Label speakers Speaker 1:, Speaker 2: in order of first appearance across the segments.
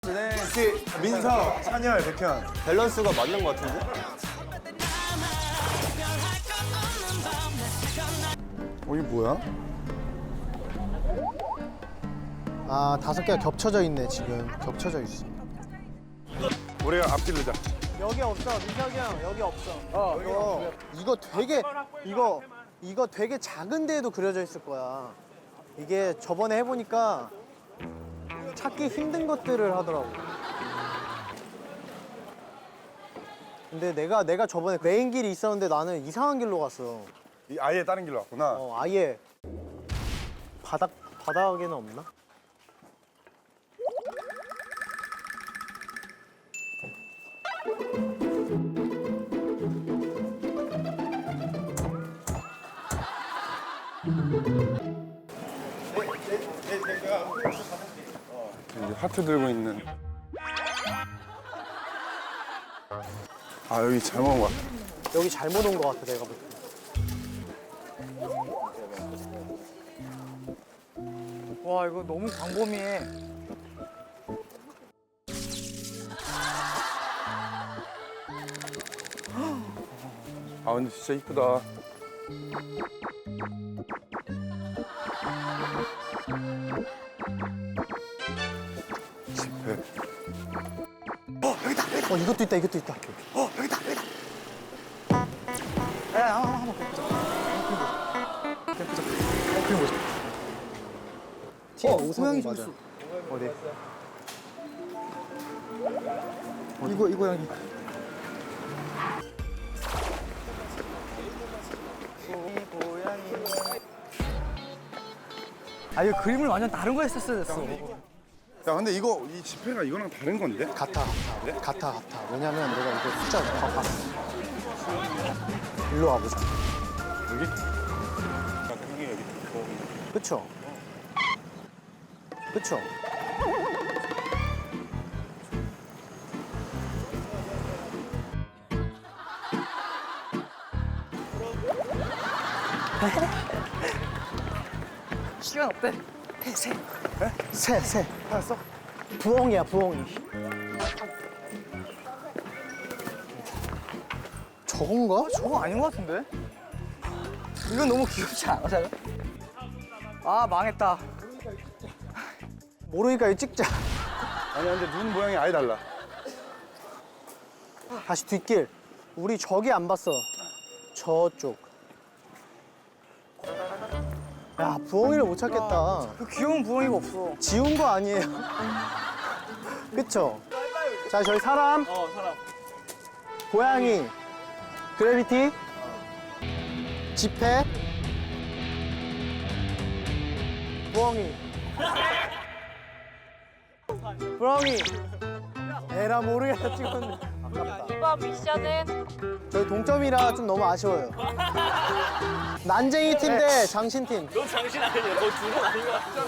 Speaker 1: 혹시 민서, 찬열, 백현
Speaker 2: 밸런스가 맞는 것 같은데?
Speaker 1: 이게 뭐야?
Speaker 3: 아, 5개가 겹쳐져 있네, 지금. 겹쳐져 있어.
Speaker 1: 우리가 앞질르자.
Speaker 3: 여기 없어, 민석이 형. 여기 없어. 이거 되게 작은 데에도 그려져 있을 거야. 이게 저번에 해보니까 찾기 힘든 것들을 하더라고. 근데 내가 저번에 메인 길이 있었는데 나는 이상한 길로 갔어.
Speaker 1: 아예 다른 길로 왔구나.
Speaker 3: 아예 바닥에는 없나?
Speaker 1: 이제 하트 들고 있는. 아, 여기 잘못 온 것 같아.
Speaker 3: 여기 잘못 온 것 같아, 내가 볼 때.
Speaker 4: 와 이거 너무 광범위해.
Speaker 1: 아, 근데 진짜 이쁘다. 집회.
Speaker 3: 이것도 있다, 이것도 있다.
Speaker 4: 야 한번
Speaker 3: 티가 오상이 맞아.
Speaker 4: 어디? 이거 고양이. 아 이거 그림을 완전 다른 거 했었어야 됐어.
Speaker 1: 야, 근데 이 집회가 이거랑 다른 건데?
Speaker 3: 같아. 왜냐면 내가 이거 숫자 다 봤어. 일로 와보자.
Speaker 1: 여기? 여기 있고.
Speaker 3: 그쵸? 그쵸?
Speaker 4: 시간 없대.
Speaker 3: 새. 알았어? 부엉이야, 부엉이. 저건가?
Speaker 4: 저거 아닌 것 같은데? 이건 너무 귀엽지 않아, 잘? 아 망했다.
Speaker 3: 모르니까 이거 찍자.
Speaker 1: 아니, 근데 눈 모양이 아예 달라.
Speaker 3: 다시 뒷길. 우리 저기 안 봤어. 저쪽. 야, 부엉이를 못 찾겠다.
Speaker 4: 그 귀여운 부엉이가 없어.
Speaker 3: 지운 거 아니에요? 그쵸? 자, 저희 사람.
Speaker 4: 사람.
Speaker 3: 고양이. 그래비티. 지폐. 부엉이. 부엉이. 에라 모르겠다 찍었는데. 아깝다.
Speaker 5: 이번 미션은
Speaker 3: 저희 동점이라 좀 너무 아쉬워요. 난쟁이 팀 대 장신 팀.
Speaker 2: 너 장신 아니야. 너 둘은 아닌 것 같아.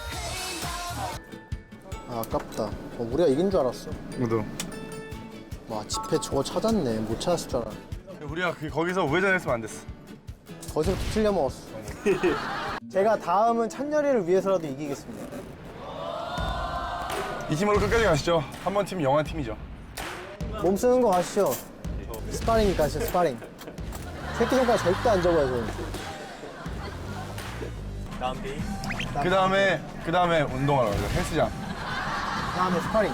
Speaker 3: 아, 아깝다. 우리가 이긴 줄 알았어.
Speaker 1: 너도.
Speaker 3: 와, 지폐 저거 찾았네. 못 찾았을 줄 알았네.
Speaker 1: 우리가 거기서 우회전했으면 안 됐어.
Speaker 3: 거기서부터 틀려 먹었어. 제가 다음은 찬열이를 위해서라도 이기겠습니다.
Speaker 1: 이 팀으로 끝까지 가시죠. 한 번 팀 영한 팀이죠.
Speaker 3: 몸 쓰는 거 아시죠? 스파링이니까 진짜 스파링. 새끼 손가락 절대 안 접어요, 저는.
Speaker 2: 다음 비.
Speaker 1: 그 다음에 운동하러 가죠. 헬스장.
Speaker 3: 다음에 스파링.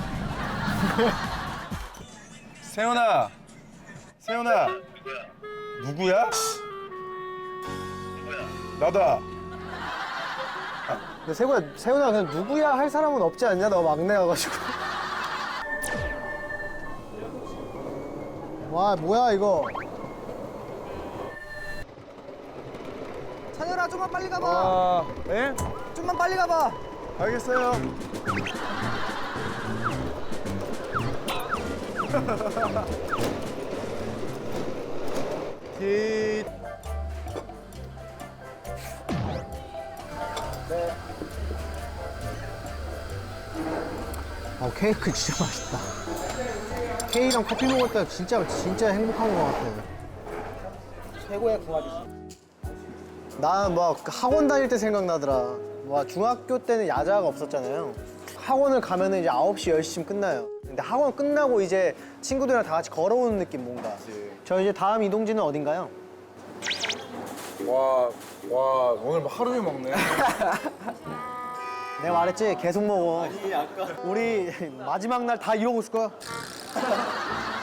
Speaker 1: 세훈아. 누구야? 나다.
Speaker 3: 근데 세훈아 그냥 누구야 할 사람은 없지 않냐? 너 막내여가지고. 와, 뭐야 이거.
Speaker 4: 찬열아 좀만 빨리 가봐.
Speaker 1: 아, 예?
Speaker 4: 좀만 빨리 가봐.
Speaker 1: 알겠어요. 깃.
Speaker 3: 케이크 진짜 맛있다. 케이크랑 커피 먹을 때 진짜 행복한 것 같아.
Speaker 4: 최고의 궁합이지.
Speaker 3: 나는 막 학원 다닐 때 생각나더라. 와, 중학교 때는 야자가 없었잖아요. 학원을 가면은 이제 9시, 10시쯤 끝나요. 근데 학원 끝나고 이제 친구들이랑 다 같이 걸어오는 느낌 뭔가. 저 이제 다음 이동지는 어딘가요?
Speaker 5: 와 오늘 뭐 하루 종일 먹네.
Speaker 3: 내가 말했지 계속 먹어. 우리 마지막 날 다 이러고 있을 거야.